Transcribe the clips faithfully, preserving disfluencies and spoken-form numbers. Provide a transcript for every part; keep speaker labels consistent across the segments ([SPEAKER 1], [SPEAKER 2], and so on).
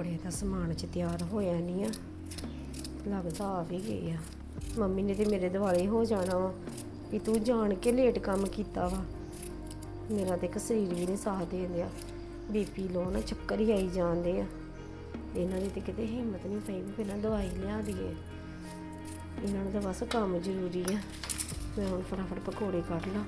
[SPEAKER 1] ਪਕੌੜੇ ਦਾ ਸਮਾਨ ਚ ਤਿਆਰ ਹੋਇਆ ਨਹੀਂ ਆ, ਲੱਗਦਾ ਆ ਵੀ ਗਏ ਆ। ਮੰਮੀ ਨੇ ਤੇ ਮੇਰੇ ਦਿਵਾਲੇ ਹੋ ਜਾਣਾ ਵਾ ਵੀ ਤੂੰ ਜਾਣ ਕੇ ਲੇਟ ਕੰਮ ਕੀਤਾ ਵਾ। ਮੇਰਾ ਤੇ ਇੱਕ ਸਰੀਰ ਵੀ ਨਹੀਂ ਸਾਥ ਦੇ ਰਿਹਾ, ਬੀਪੀ ਲੋ ਨਾ ਚੱਕਰ ਹੀ ਆਈ ਜਾਂਦੇ ਆ। ਇਹਨਾਂ ਦੀ ਤੇ ਕਿਤੇ ਹਿੰਮਤ ਨਹੀਂ ਪਈ ਵੀ ਪਹਿਲਾਂ ਦਵਾਈ ਲਿਆ ਦਈਏ। ਇਹਨਾਂ ਨੂੰ ਤਾਂ ਬਸ ਕੰਮ ਜ਼ਰੂਰੀ ਆ। ਮੈਂ ਹੁਣ ਫਟਾਫਟ ਪਕੌੜੇ ਕੱਢ ਲਾਂ।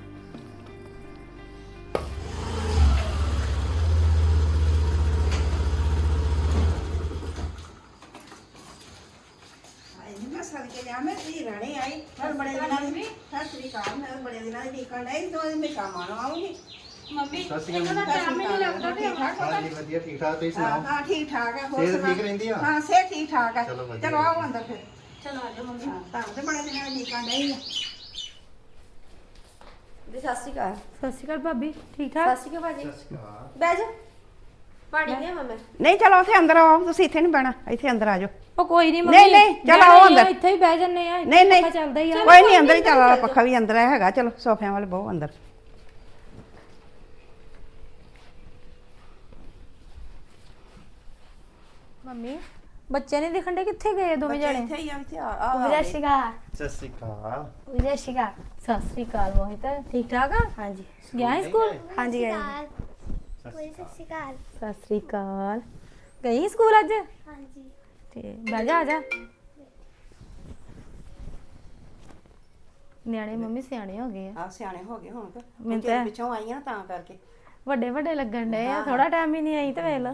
[SPEAKER 2] ਸਦਕੇ ਜਾ ਮੈਂ ਧੀ ਰਹਿਣੀ ਆਈ ਮੈਂ ਬੜੇ ਦਿਨਾਂ ਦੀ ਸਤਿ ਸ੍ਰੀ ਅਕਾਲ ਮੈਂ ਬੜੇ ਦਿਨਾਂ ਦੀ ਟਿਕਣ ਨਹੀਂ ਤੋਂ ਮੈਂ ਸ਼ਾਮਾਂ ਨੂੰ ਆਉਂਗੀ।
[SPEAKER 3] ਮੰਮੀ ਇਹਨਾਂ ਦਾ ਟਾਈਮ ਹੀ ਨਹੀਂ ਲੱਗਦਾ ਤੇ
[SPEAKER 4] ਹਾਂਜੀ ਵਧੀਆ ਠੀਕ ਠਾਕ ਤੁਸੀਂ
[SPEAKER 2] ਹਾਂ
[SPEAKER 4] ਸੁਣਾਓ
[SPEAKER 2] ਹਾਂ ਠੀਕ ਠਾਕ ਹੈ। ਹੋਰ
[SPEAKER 4] ਸਿਹਤ
[SPEAKER 2] ਸੁਣਾ?
[SPEAKER 4] ਠੀਕ ਰਹਿੰਦੀ ਆ?
[SPEAKER 2] ਹਾਂ ਸਿਹਤ ਠੀਕ ਠਾਕ ਹੈ।
[SPEAKER 4] ਚਲੋ ਵਧੀਆ।
[SPEAKER 2] ਚਲੋ ਆਓ ਅੰਦਰ ਫਿਰ।
[SPEAKER 3] ਚਲੋ ਆਜੋ ਮੰਮੀ।
[SPEAKER 2] ਹਾਂ ਤਾਂ ਤੇ ਬੜੇ ਦਿਨਾਂ ਦੀ ਟਿਕਣ ਨਹੀਂ
[SPEAKER 1] ਜੀ ਸਤਿ ਸ਼੍ਰੀ ਅਕਾਲ।
[SPEAKER 3] ਸਤਿ ਸ਼੍ਰੀ ਅਕਾਲ ਭਾਬੀ, ਠੀਕ
[SPEAKER 1] ਸਤਿ
[SPEAKER 3] ਠਾਕ?
[SPEAKER 1] ਸ਼੍ਰੀ ਅਕਾਲ ਭਾਜੀ,
[SPEAKER 4] ਸਤਿ ਸ਼੍ਰੀ ਅਕਾਲ।
[SPEAKER 1] ਬਹਿ ਜਾ। ਪਾਣੀ ਲਿਆਵਾਂ ਮੈਂ?
[SPEAKER 2] ਨਹੀਂ ਚਲੋ ਉੱਥੇ ਅੰਦਰ ਆਓ, ਤੁਸੀਂ ਇੱਥੇ ਨਹੀਂ ਬਹਿਣਾ, ਇੱਥੇ ਅੰਦਰ ਆ ਜਾਓ।
[SPEAKER 3] ਉਹ ਕੋਈ ਨਹੀਂ
[SPEAKER 2] ਨਹੀਂ, ਨਹੀਂ, ਚਲੋ ਆਓ ਅੰਦਰ।
[SPEAKER 3] ਇੱਥੇ ਹੀ ਬਹਿ ਜੰਨੇ ਆ।
[SPEAKER 2] ਨਹੀਂ ਨਹੀਂ
[SPEAKER 3] ਚੱਲਦਾ ਹੀ ਆ।
[SPEAKER 2] ਕੋਈ ਨਹੀਂ ਅੰਦਰ ਹੀ ਚੱਲ ਵਾਲਾ ਪੱਖਾ ਵੀ ਅੰਦਰ ਹੈਗਾ। ਚਲੋ ਸੋਫਿਆਂ ਵਾਲੇ ਬਹੁ ਅੰਦਰ।
[SPEAKER 3] ਮੰਮੀ ਬੱਚੇ ਨਹੀਂ ਦਿਖਣ ਦੇ, ਕਿੱਥੇ ਗਏ ਦੋਵੇਂ ਜਣੇ?
[SPEAKER 2] ਇੱਥੇ ਹੀ ਆ, ਇੱਥੇ ਆ
[SPEAKER 3] ਸਤਿ ਸ਼੍ਰੀ ਅਕਾਲ।
[SPEAKER 4] ਸਤਿ ਸ਼੍ਰੀ ਅਕਾਲ।
[SPEAKER 3] ਸਤਿ ਸ਼੍ਰੀ ਅਕਾਲ। ਸਤਿ ਸ਼੍ਰੀ ਅਕਾਲ ਮੋਹਿਤ, ਠੀਕ ਠਾਕ ਆ?
[SPEAKER 1] ਹਾਂਜੀ
[SPEAKER 3] ਗਿਆ ਹੈ ਸਕੂਲ?
[SPEAKER 1] ਹਾਂਜੀ ਗਏ।
[SPEAKER 5] ਕੋਈ ਸਤਿ ਸ਼੍ਰੀ ਅਕਾਲ।
[SPEAKER 3] ਸਤਿ ਸ਼੍ਰੀ ਅਕਾਲ। ਗਈ ਸਕੂਲ ਅੱਜ?
[SPEAKER 5] ਹਾਂਜੀ
[SPEAKER 3] ਤੇ ਬਹਿ ਜਾ, ਆ ਜਾ। ਨਿਆਣੇ ਮੰਮੀ ਸਿਆਣੇ ਹੋ ਗਏ ਆ।
[SPEAKER 2] ਆ ਸਿਆਣੇ ਹੋ ਗਏ ਹੁਣ ਤੇ
[SPEAKER 3] ਮੈਨੂੰ
[SPEAKER 2] ਤੇਰੇ
[SPEAKER 3] ਤਾਂ-
[SPEAKER 2] ਪਿੱਛੋਂ ਆਈ ਆ ਤਾਂ ਕਰਕੇ।
[SPEAKER 3] ਵੱਡੇ ਵੱਡੇ ਲੱਗਣ ਡਏ ਆ, ਥੋੜਾ ਟਾਈਮ ਹੀ ਨਹੀਂ ਆਈ ਤੇ ਵੇਖ ਲਓ।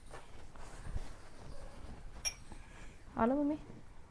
[SPEAKER 3] ਆ ਲਓ ਮੰਮੀ।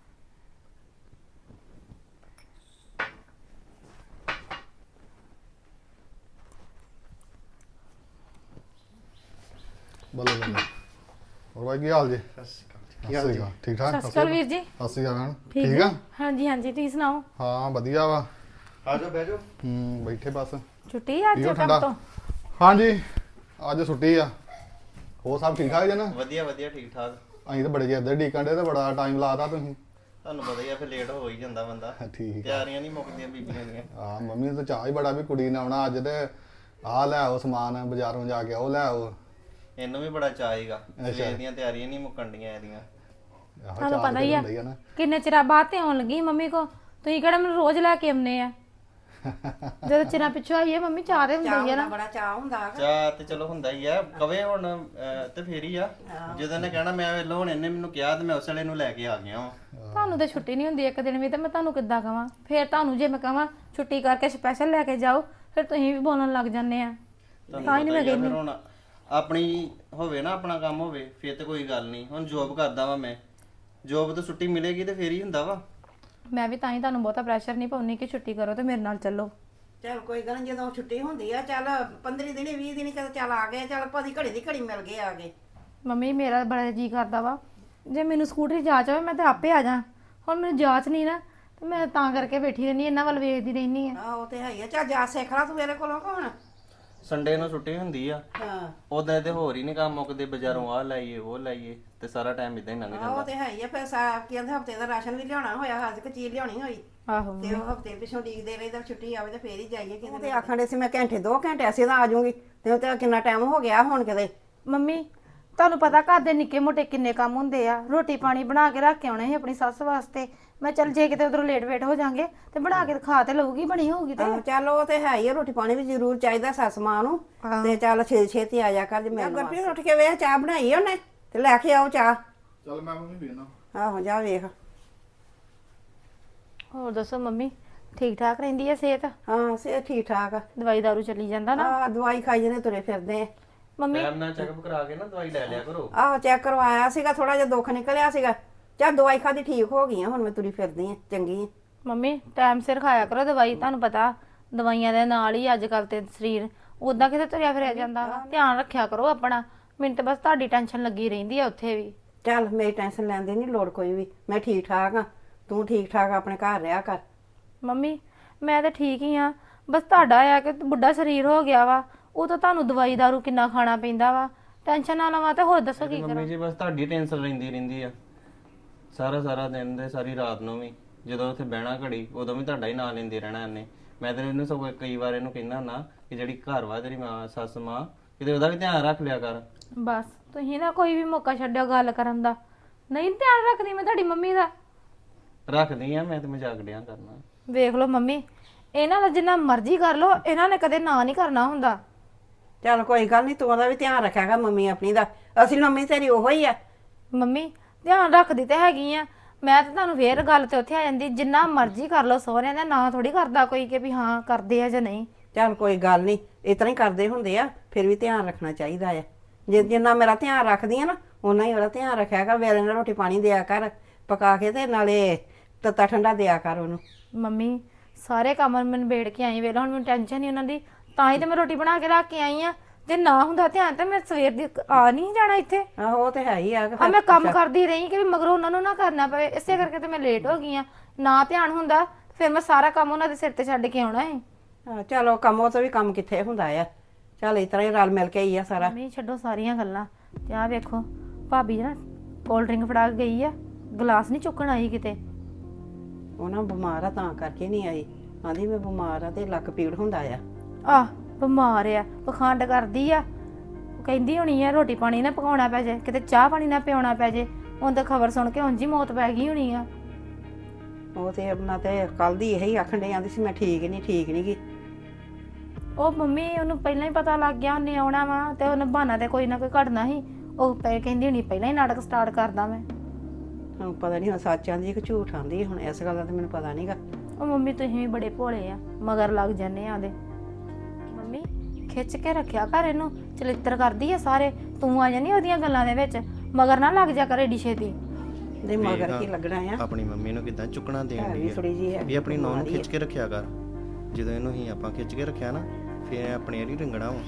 [SPEAKER 6] ਬੱਲੇ ਬੱਲੇ। ਹੋਰ ਭਾਈ ਕੀ ਹਾਲ ਜੀ?
[SPEAKER 4] ਸਤਿ ਸ਼੍ਰੀ ਅਕਾਲ।
[SPEAKER 6] ਸਤਿ
[SPEAKER 4] ਕੀ ਹਾਲ
[SPEAKER 6] ਸ਼੍ਰੀ
[SPEAKER 4] ਜੀ?
[SPEAKER 6] ਅਕਾਲ। ਠੀਕ ਠਾਕ?
[SPEAKER 3] ਸਤਿ ਸ਼੍ਰੀ ਅਕਾਲ ਵੀਰ ਜੀ।
[SPEAKER 6] ਸਤਿ ਸ਼੍ਰੀ ਅਕਾਲ ਮੈਡਮ।
[SPEAKER 3] ਠੀਕ
[SPEAKER 6] ਠੀਕ ਆ?
[SPEAKER 3] ਆ? ਹਾਂਜੀ ਹਾਂਜੀ, ਤੁਸੀਂ ਸੁਣਾਓ?
[SPEAKER 6] ਹਾਂ ਵਧੀਆ ਵਾ।
[SPEAKER 4] ਆ ਜਾਓ ਬਹਿ ਜਾਓ।
[SPEAKER 6] ਹੂੰ ਬੈਠੇ ਬਸ।
[SPEAKER 3] ਛੁੱਟੀ ਆ ਅੱਜ
[SPEAKER 6] ਪੀਓ
[SPEAKER 3] ਕੰਮ
[SPEAKER 6] ਠੰਡਾ।
[SPEAKER 3] ਤੋਂ?
[SPEAKER 6] ਹਾਂਜੀ ਅੱਜ ਛੁੱਟੀ ਆ। ਹੋਰ ਸਭ ਠੀਕ ਠਾਕ ਜੀ ਨਾ?
[SPEAKER 4] ਵਧੀਆ ਵਧੀਆ ਠੀਕ ਠਾਕ।
[SPEAKER 6] ਅਸੀਂ ਤਾਂ ਬੜੇ ਚਿਰ ਦੇ ਡੀਕਣ ਦੇ ਤੇ ਬੜਾ ਟਾਈਮ ਲਾਤਾ ਤੁਸੀਂ।
[SPEAKER 4] ਤੁਹਾਨੂੰ ਪਤਾ ਹੀ ਆ ਫਿਰ ਲੇਟ ਹੋ ਹੀ ਜਾਂਦਾ ਬੰਦਾ।
[SPEAKER 6] ਠੀਕ ਆ।
[SPEAKER 4] ਤਿਆਰੀਆਂ ਨਹੀਂ ਮੁੱਕਦੀਆਂ ਬੀਬੀਆਂ ਦੀਆਂ।
[SPEAKER 6] ਹਾਂ ਮੰਮੀ ਨੂੰ ਤਾਂ ਚਾਹ ਹੀ ਬੜਾ ਵੀ ਕੁੜੀ ਨੇ ਆਉਣਾ ਅੱਜ ਤੇ ਆਹ ਲੈ ਆਓ ਸਮਾਨ ਬਾਜ਼ਾਰੋਂ ਜਾ ਕੇ ਉਹ ਲੈ ਆਓ।
[SPEAKER 4] ਇਹਨੂੰ ਵੀ ਬੜਾ ਚਾਹੀਗਾ।
[SPEAKER 6] ਅੱਛਾ।
[SPEAKER 4] ਸਵੇਰ ਦੀਆਂ ਤਿਆਰੀਆਂ ਨਹੀਂ ਮੁੱਕਣਡੀਆਂ ਇਹਦੀਆਂ।
[SPEAKER 6] ਆਹੋ,
[SPEAKER 3] ਤੁਹਾਨੂੰ
[SPEAKER 6] ਚਾਹ
[SPEAKER 3] ਪਤਾ
[SPEAKER 6] ਤੇ
[SPEAKER 3] ਹੀ ਆ
[SPEAKER 6] ਹੁੰਦਾ ਆ ਨਾ।
[SPEAKER 3] ਕਿੰਨੇ ਚਿਰਾਂ ਬਾਅਦ ਤੇ ਆਉਣ ਲੱਗੀ ਮੰਮੀ ਕੋ। ਤੁਸੀਂ ਕਿਹੜਾ ਮੈਨੂੰ ਰੋਜ਼ ਲੈ ਕੇ ਆਉਂਦੇ ਆ? ਜਦੋਂ ਚਿਰਾਂ ਪਿੱਛੋਂ ਆਈਏ ਮੰਮੀ ਚਾਹ ਤੇ
[SPEAKER 2] ਚਾਹ
[SPEAKER 3] ਹੁੰਦੀ ਆ
[SPEAKER 2] ਦਾ
[SPEAKER 3] ਨਾ।
[SPEAKER 2] ਬੜਾ ਚਾਹ ਹੁੰਦਾ ਹੈ।
[SPEAKER 4] ਚਾਹ ਤੇ ਚਲੋ ਹੁੰਦਾ ਹੀ ਆ। ਕਵੇ ਹੁਣ ਅਹ, ਤੇ ਫੇਰ ਹੀ ਆ। ਜਦੋਂ ਨੇ ਕਹਿਣਾ ਮੈਂ ਵੇਲੋ ਹੁਣ ਇਹਨੇ ਮੈਨੂੰ ਕਿਹਾ ਤੇ ਮੈਂ ਉਸ ਵੇਲੇ ਨੂੰ ਲੈ ਕੇ ਆ ਗਿਆ ਵਾਂ।
[SPEAKER 3] ਤੁਹਾਨੂੰ ਤਾਂ ਛੁੱਟੀ ਨਹੀਂ ਹੁੰਦੀ ਇੱਕ ਦਿਨ ਵੀ, ਤੇ ਮੈਂ ਤੁਹਾਨੂੰ ਕਿੱਦਾਂ ਕਵਾਂ? ਫੇਰ ਤੁਹਾਨੂੰ ਜੇ ਮੈਂ ਕਵਾਂ ਛੁੱਟੀ ਕਰਕੇ ਸਪੈਸ਼ਲ ਲੈ ਕੇ ਜਾਓ, ਫਿਰ ਤੁਸੀਂ ਵੀ ਬੋਲਣ ਲੱਗ ਜਾਂਦੇ ਆ।
[SPEAKER 4] ਤੁਹਾਨੂੰ
[SPEAKER 3] ਤਾਂ ਹੀ ਨੀ
[SPEAKER 4] ਪਤਾ
[SPEAKER 3] ਮੈਂ
[SPEAKER 4] ਹੀ ਆ ਫਿਰ
[SPEAKER 3] ਕਹਿੰਦੀ।
[SPEAKER 4] ਹੁਣ ਆਪਣੀ ਹੋਵੇ ਨਾ, ਆਪਣਾ ਕੰਮ ਹੋਵੇ ਫਿਰ ਤੇ ਕੋਈ ਗੱਲ ਨਹੀਂ। ਹੁਣ ਜੋਬ ਕਰਦਾ ਵਾਂ ਮੈਂ, ਜੋਬ ਤੋਂ ਛੁੱਟੀ ਮਿਲੇਗੀ ਤੇ ਫੇਰ ਹੀ ਹੁੰਦਾ ਵਾ।
[SPEAKER 3] ਮੈਂ ਵੀ ਤਾਂ ਹੀ ਤੁਹਾਨੂੰ ਬਹੁਤਾ ਪ੍ਰੈਸ਼ਰ ਨਹੀਂ ਪਾਉਣੀ ਕਿ ਛੁੱਟੀ ਕਰੋ ਤੇ ਮੇਰੇ ਨਾਲ ਚੱਲੋ।
[SPEAKER 2] ਚਲ ਕੋਈ ਗੱਲ ਨੀ, ਜਦੋਂ ਛੁੱਟੀ ਹੁੰਦੀ ਆ ਚੱਲ ਪੰਦਰਾਂ ਦਿਨ ਵੀਹ ਦਿਨ ਕਦੇ ਚੱਲ ਆ ਗਏ, ਚੱਲ ਭਾਦੀ ਘੜੀ ਦੀ ਘੜੀ ਮਿਲ ਗਏ ਆ ਗਏ।
[SPEAKER 3] ਮੰਮੀ ਮੇਰਾ ਬੜਾ ਜੀ ਕਰਦਾ ਵਾ ਜੇ ਮੈਨੂੰ ਸਕੂਟਰੀ ਜਾਂਚ ਹੋਵੇ ਮੈਂ ਤੇ ਆਪੇ ਆ ਜਾ। ਹੁਣ ਮੈਨੂੰ ਜਾਂਚ ਨਹੀਂ ਨਾ, ਤੇ ਮੈਂ ਤਾਂ ਕਰਕੇ ਬੈਠੀ ਰਹਿੰਦੀ, ਇਹਨਾਂ ਵੱਲ ਵੇਖਦੀ ਰਹਿੰਦੀ ਆ।
[SPEAKER 2] ਆਹ ਉਹ ਤੇ ਹੈ ਹੀ ਆ। ਚੱਲ ਜਾ ਸਿੱਖ ਲਾ ਤੂੰ ਮੇਰੇ ਕੋਲੋਂ ਕੌਣ।
[SPEAKER 4] ਸੰਡੇ ਨੂੰ ਛੁੱਟੀ ਹੁੰਦੀ ਆ।
[SPEAKER 2] ਹਾਂ
[SPEAKER 4] ਉਦੋਂ ਤੇ ਹੋਰ ਹੀ ਨਹੀਂ ਕੰਮ ਮੁੱਕਦੇ, ਬਾਜ਼ਾਰੋਂ ਆਹ ਲਾਈਏ ਉਹ ਲਾਈਏ ਤੇ ਸਾਰਾ ਟਾਈਮ ਇਦਾਂ ਹੀ ਲੰਘ
[SPEAKER 2] ਆਹ ਉਹ
[SPEAKER 4] ਜਾਂਦਾ।
[SPEAKER 2] ਤੇ ਹੈ ਹੀ ਆ। ਫਿਰ ਸਾ ਕਹਿੰਦੇ ਹਫਤੇ ਦਾ ਰਾਸ਼ਨ ਵੀ ਲਿਆਉਣਾ ਹੋਇਆ, ਅੱਜ ਇੱਕ ਚੀਜ਼ ਲਿਆਉਣੀ ਹੋਈ
[SPEAKER 3] ਆਹੋ
[SPEAKER 2] ਤੇ ਉਹ ਹਫਤੇ ਪਿੱਛੋਂ ਡੀਕਦੇ ਰਹੇ ਤਾਂ ਛੁੱਟੀ ਆਵੇ ਤੇ ਫੇਰ ਹੀ ਜਾਈਏ ਕਿਤੇ। ਤੇ ਆਖਣ ਦੇ ਸੀ ਮੈਂ ਘੰਟੇ ਦੋ ਘੰਟੇ ਅਸੀਂ ਤਾਂ ਆ ਜਾਊਂਗੀ, ਤੇ ਉਹ ਤੇ ਕਿੰਨਾ ਟਾਈਮ ਹੋ ਗਿਆ ਹੁਣ ਕਿਤੇ।
[SPEAKER 3] ਮੰਮੀ ਤੁਹਾਨੂੰ ਪਤਾ ਘਰ ਦੇ ਨਿੱਕੇ ਮੋਟੇ ਕਿੰਨੇ ਕੰਮ ਹੁੰਦੇ ਆ। ਰੋਟੀ ਪਾਣੀ ਬਣਾ ਕੇ ਰੱਖ ਕੇ ਆਉਣੇ ਸੀ ਆਪਣੀ ਸੱਸ ਵਾਸਤੇ। ਮੈਂ ਚੱਲ ਜੇ ਕਿਤੇ ਉਧਰੋਂ ਲੇਟ ਵੇਟ ਹੋ ਜਾਾਂਗੇ ਤੇ ਬਣਾ ਕੇ ਖਾ ਤੇ ਲਊਗੀ, ਬਣੀ ਹੋਊਗੀ ਤੇ।
[SPEAKER 2] ਆਹੋ ਚੱਲ ਉਹ ਤੇ ਹੈ ਹੀ ਆ, ਰੋਟੀ ਪਾਣੀ ਵੀ ਜ਼ਰੂਰ ਚਾਹੀਦਾ ਸੱਸ ਮਾਂ ਨੂੰ। ਤੇ ਚੱਲ ਛੇ ਛੇਤੀ ਆ ਜਾ ਕਰ ਜੇ ਮੈਂ ਗੁਰਪ੍ਰੀਤ ਉੱਠ ਕੇ ਵੇਖ ਚਾਹ ਬਣਾਈ ਉਹਨੇ ਤੇ ਲੈ ਕੇ ਆਓ ਚਾਹ।
[SPEAKER 6] ਚੱਲ ਮੈਂ ਮੰਮੀ ਵੇਖਣਾ।
[SPEAKER 2] ਆਹੋ ਜਾ ਵੇਖ।
[SPEAKER 3] ਹੋਰ ਦੱਸੋ ਮੰਮੀ, ਠੀਕ ਠਾਕ ਰਹਿੰਦੀ ਹੈ ਸਿਹਤ?
[SPEAKER 2] ਹਾਂ ਸਿਹਤ ਠੀਕ ਠਾਕ ਆ।
[SPEAKER 3] ਦਵਾਈ ਦਾਰੂ ਚੱਲੀ ਜਾਂਦਾ ਨਾ?
[SPEAKER 2] ਆਹ ਦਵਾਈ ਖਾਈ ਜਨੇ ਤੁਰੇ ਫਿਰਦੇ ਆ।
[SPEAKER 3] ਮੰਮੀ
[SPEAKER 4] ਟਾਈਮ ਨਾਲ ਚੈੱਕਅਪ ਕਰਾ ਕੇ ਨਾ ਦਵਾਈ ਲੈ ਲਿਆ ਕਰੋ।
[SPEAKER 2] ਆਹੋ ਚੈੱਕ ਕਰਵਾਇਆ ਸੀਗਾ, ਥੋੜਾ ਜਿਹਾ ਦੁੱਖ ਨਿਕਲਿਆ ਸੀਗਾ। ਚੱਲ ਦਵਾਈ ਖਾਦੀ ਠੀਕ ਹੋ ਗਈ ਆ, ਹੁਣ ਮੈਂ ਤੁਰੀ ਫਿਰਦੀ ਆ ਚੰਗੀ ਆ।
[SPEAKER 3] ਮੰਮੀ ਟਾਈਮ ਸਿਰ ਖਾਇਆ ਕਰੋ ਦਵਾਈ। ਤੁਹਾਨੂੰ ਪਤਾ ਦਵਾਈਆਂ ਦੇ ਨਾਲ ਹੀ ਅੱਜ ਕੱਲ ਤੇ ਸਰੀਰ ਉਦਾਂ ਕਿਤੇ ਤੁਰਿਆ ਫਿਰਿਆ ਜਾਂਦਾ ਵਾ। ਧਿਆਨ ਰੱਖਿਆ ਕਰੋ ਆਪਣਾ। ਮੈਨੂੰ ਤਾਂ ਬਸ ਤੁਹਾਡੀ ਟੈਨਸ਼ਨ ਲੱਗੀ ਰਹਿੰਦੀ ਆ ਉੱਥੇ ਵੀ।
[SPEAKER 2] ਚੱਲ ਮੇਰੀ ਟੈਨਸ਼ਨ ਲੈਣ ਦੀ ਨਹੀਂ ਲੋੜ ਕੋਈ ਵੀ, ਮੈਂ ਠੀਕ ਠਾਕ ਆ। ਤੂੰ ਠੀਕ ਠਾਕ ਆਪਣੇ ਘਰ ਰਿਹਾ ਕਰ।
[SPEAKER 3] ਮੰਮੀ ਮੈਂ ਤਾਂ ਠੀਕ ਹੀ ਆ, ਬਸ ਤੁਹਾਡਾ ਆ ਕਿ ਬੁੱਢਾ ਸਰੀਰ ਹੋ ਗਿਆ ਵਾ, ਉਹ ਤਾਂ ਤੁਹਾਨੂੰ ਦਵਾਈ ਦਾਰੂ ਕਿੰਨਾ ਖਾਣਾ ਪੈਂਦਾ ਵਾ। ਟੈਨਸ਼ਨ ਨਾ ਲਵਾਂ ਤੇ ਹੋਰ ਦੱਸੋ ਕੀ
[SPEAKER 4] ਮੰਮੀ
[SPEAKER 3] ਕਰਾਂ?
[SPEAKER 4] ਜੀ ਬਸ ਤੁਹਾਡੀ ਟੈਨਸ਼ਨ ਰਹਿੰਦੀ ਰਹਿੰਦੀ ਆ ਸਾਰਾ ਸਾਰਾ ਦਿਨ ਦੇ ਸਾਰੀ ਰਾਤ ਨੂੰ ਵੀ। ਜਦੋਂ ਉੱਥੇ ਬਹਿਣਾ ਘੜੀ ਉਦੋਂ ਵੀ ਤੁਹਾਡਾ ਹੀ ਨਾਂ ਲੈਂਦੇ ਰਹਿਣਾ ਇਹਨੇ। ਮੈਂ ਤਾਂ ਇਹਨੂੰ ਸਗੋਂ ਕਈ ਵਾਰ ਇਹਨੂੰ ਕਹਿੰਦਾ ਹੁੰਦਾ ਕਿ ਜਿਹੜੀ ਘਰ ਵਾ ਤੇਰੀ ਮਾਂ ਸੱਸ ਮਾਂ, ਕਿਤੇ ਉਹਦਾ ਵੀ ਧਿਆਨ ਰੱਖ ਲਿਆ ਕਰ।
[SPEAKER 3] ਬਸ ਤੁਸੀਂ ਨਾ ਕੋਈ ਵੀ ਮੌਕਾ ਛੱਡਿਓ ਗੱਲ ਕਰਨ ਦਾ। ਨਹੀਂ ਧਿਆਨ ਰੱਖਦੀ ਮੈਂ ਤੁਹਾਡੀ ਮੰਮੀ ਦਾ।
[SPEAKER 4] ਰੱਖਦੀ ਆ, ਮੈਂ ਤੇ ਮਜ਼ਾਕ ਡਿਆ ਕਰਨਾ।
[SPEAKER 3] ਵੇਖ ਲਓ ਮੰਮੀ, ਇਹਨਾਂ ਦਾ ਜਿੰਨਾ ਮਰਜ਼ੀ ਕਰ ਲਓ, ਇਹਨਾਂ ਨੇ ਕਦੇ ਨਾ ਨਹੀਂ ਕਰਨਾ ਹੁੰਦਾ।
[SPEAKER 2] ਚੱਲ ਕੋਈ ਗੱਲ ਨਹੀਂ, ਤੂੰ ਉਹਦਾ ਵੀ ਧਿਆਨ ਰੱਖਿਆਗਾ ਮੰਮੀ ਆਪਣੀ ਦਾ। ਅਸਲ ਮੰਮੀ ਤੇਰੀ ਉਹੋ ਹੀ ਆ।
[SPEAKER 3] ਮੰਮੀ ਧਿਆਨ ਰੱਖਦੀ ਤੇ ਹੈਗੀ ਆ ਮੈਂ, ਤਾਂ ਤੁਹਾਨੂੰ ਫੇਰ ਗੱਲ ਤੇ ਉੱਥੇ ਆ ਜਾਂਦੀ, ਜਿੰਨਾ ਮਰਜ਼ੀ ਕਰ ਲਓ ਸਹੁਰਿਆਂ ਦਾ ਨਾਂ ਥੋੜੀ ਕਰਦਾ ਕੋਈ ਕਿ ਵੀ ਹਾਂ ਕਰਦੇ ਆ ਜਾਂ ਨਹੀਂ।
[SPEAKER 2] ਚੱਲ ਕੋਈ ਗੱਲ ਨਹੀਂ, ਇਤਨਾ ਹੀ ਕਰਦੇ ਹੁੰਦੇ ਆ, ਫਿਰ ਵੀ ਧਿਆਨ ਰੱਖਣਾ ਚਾਹੀਦਾ ਆ। ਜੇ ਜਿੰਨਾ ਮੇਰਾ ਧਿਆਨ ਰੱਖਦੀ ਆ ਨਾ, ਓਨਾ ਹੀ ਉਹਦਾ ਧਿਆਨ ਰੱਖਿਆ ਕਰ। ਵੇਲੇ ਨਾਲ ਰੋਟੀ ਪਾਣੀ ਦਿਆ ਕਰ ਪਕਾ ਕੇ, ਤੇ ਨਾਲੇ ਤੱਤਾ ਠੰਡਾ ਦਿਆ ਕਰ ਉਹਨੂੰ।
[SPEAKER 3] ਮੰਮੀ ਸਾਰੇ ਕੰਮ ਮੈਂ ਨਿਬੇੜ ਕੇ ਆਈ, ਵੇਲਾ ਹੁਣ ਮੈਨੂੰ ਟੈਨਸ਼ਨ ਨਹੀਂ ਉਹਨਾਂ ਦੀ, ਤਾਂ ਹੀ ਤੇ ਮੈਂ ਰੋਟੀ ਬਣਾ ਕੇ ਰੱਖ ਕੇ ਆਈ ਆ। ਜੇ ਨਾ ਹੁੰਦਾ ਧਿਆਨ ਤਾਂ ਮੈਂ ਸਵੇਰ ਦੀ ਆ ਨਹੀਂ ਜਾਣਾ ਇੱਥੇ।
[SPEAKER 2] ਆਹੋ ਉਹ ਤੇ ਹੈ ਹੀ ਆ ਕਿ
[SPEAKER 3] ਆ
[SPEAKER 2] ਫਿਰ-
[SPEAKER 3] ਮੈਂ ਕੰਮ ਕਰਦੀ ਰਹੀ ਕਿ ਵੀ ਮਗਰੋਂ ਉਹਨਾਂ ਨੂੰ ਨਾ ਕਰਨਾ ਪਵੇ, ਇਸੇ ਕਰਕੇ ਤੇ ਮੈਂ ਲੇਟ ਹੋ ਗਈ ਆ। ਨਾ ਧਿਆਨ ਹੁੰਦਾ ਫਿਰ ਮੈਂ ਸਾਰਾ ਕੰਮ ਉਹਨਾਂ ਦੇ ਸਿਰ ਤੇ ਛੱਡ ਕੇ ਆਉਣਾ ਹੈ।
[SPEAKER 2] ਹਾਂ, ਚਲੋ ਕੰਮ ਉਹ ਤੋਂ ਵੀ ਕੰਮ ਕਿੱਥੇ ਹੁੰਦਾ ਆ। ਚੱਲ ਇਸ ਤਰ੍ਹਾਂ ਹੀ ਰਲ ਮਿਲ ਕੇ ਹੀ ਆ ਸਾਰਾ।
[SPEAKER 3] ਮੰਮੀ ਛੱਡੋ ਸਾਰੀਆਂ ਗੱਲਾਂ, ਤੇ ਆਹ ਵੇਖੋ ਭਾਬੀ ਨਾ ਕੋਲਡ ਡਰਿੰਕ ਫੜਾ ਕੇ ਗਈ ਆ, ਗਲਾਸ ਨਹੀਂ ਚੁੱਕਣ ਆਈ ਕਿਤੇ।
[SPEAKER 2] ਉਹਨਾਂ ਬਿਮਾਰ ਆ ਤਾਂ ਕਰਕੇ ਨਹੀਂ ਆਈ। ਆਂਦੀ ਮੈਂ ਬਿਮਾਰ ਆ ਤੇ ਲੱਕ ਪੀੜ ਹੁੰਦਾ ਆ।
[SPEAKER 3] ਆਹ ਬਿਮਾਰ ਆ, ਪਖੰਡ ਕਰਦੀ ਆ। ਉਹ ਕਹਿੰਦੀ ਹੋਣੀ ਆ ਰੋਟੀ ਪਾਣੀ ਨਾ ਪਕਾਉਣਾ ਪੈ ਜੇ, ਕਿਤੇ ਚਾਹ ਪਾਣੀ ਨਾ ਪਿਆਉਣਾ ਪੈ ਜੇ। ਹੁਣ ਤਾਂ ਖਬਰ ਸੁਣ ਕੇ ਉਂਝ ਹੀ ਮੌਤ ਪੈ ਗਈ ਹੋਣੀ ਆ।
[SPEAKER 2] ਉਹ ਤੇ ਆਪਣਾ ਤੇ ਕੱਲ ਦੀ ਇਹੀ ਆਖਣ ਡਈ, ਆਂਦੀ ਸੀ ਮੈਂ ਠੀਕ ਨਹੀਂ ਠੀਕ ਨਹੀਂ ਗੀ।
[SPEAKER 3] ਉਹ ਮੰਮੀ ਉਹਨੂੰ ਪਹਿਲਾਂ ਹੀ ਪਤਾ ਲੱਗ ਗਿਆ ਉਹਨੇ ਆਉਣਾ ਵਾ, ਤੇ ਉਹਨੇ ਬਹਾਨਾ ਤੇ ਕੋਈ ਨਾ ਕੋਈ ਘੜਨਾ ਸੀ। ਉਹ ਪੈ ਕਹਿੰਦੀ ਹੋਣੀ ਪਹਿਲਾਂ ਹੀ ਨਾਟਕ ਸਟਾਰਟ ਕਰਦਾ ਮੈਂ।
[SPEAKER 2] ਹੁਣ ਪਤਾ ਨਹੀਂ ਹੁਣ ਸੱਚ ਆਂਦੀ ਕਿ ਝੂਠ ਆਂਦੀ। ਹੁਣ ਇਸ ਗੱਲ ਦਾ ਤੇ ਮੈਨੂੰ ਪਤਾ ਨਹੀਂਗਾ।
[SPEAKER 3] ਉਹ ਮੰਮੀ ਤੁਸੀਂ ਵੀ ਬੜੇ ਭੋਲੇ ਆ, ਮਗਰ ਲੱਗ ਜਾਂਦੇ ਆ ਉਹਦੇ। ਮੰਮੀ ਖਿੱਚ ਕੇ ਰੱਖਿਆ ਘਰ ਇਹਨੂੰ, ਚਲਿੱਤਰ ਕਰਦੀ ਆ ਸਾਰੇ। ਤੂੰ ਆ ਜਾਨੀ ਉਹਦੀਆਂ ਗੱਲਾਂ ਦੇ ਵਿੱਚ, ਮਗਰ ਨਾ ਲੱਗ ਜਾ ਕਰ ਏਡੀ ਛੇਤੀ।
[SPEAKER 2] ਦੇ ਮਗਰ ਕੀ ਲੱਗਣਾ ਆ।
[SPEAKER 4] ਆਪਣੀ ਮੰਮੀ ਨੂੰ ਕਿਦਾਂ ਚੁੱਕਣਾ ਦੇਣ
[SPEAKER 2] ਹੈ
[SPEAKER 4] ਦੀ
[SPEAKER 2] ਵੀ ਥੋੜੀ ਜੀ ਹੈ
[SPEAKER 4] ਵੀ ਆਪਣੀ ਨੌਂ ਨੂੰ ਖਿੱਚ ਕੇ ਰੱਖਿਆ ਕਰ। ਜਦੋਂ ਇਹਨੂੰ ਹੀ ਆਪਾਂ ਖਿੱਚ ਕੇ ਰੱਖਿਆ ਨਾ, ਫਿਰ ਆਪਣੇ ਵਾਲੀ ਰੰਗਣਾ ਵਾ।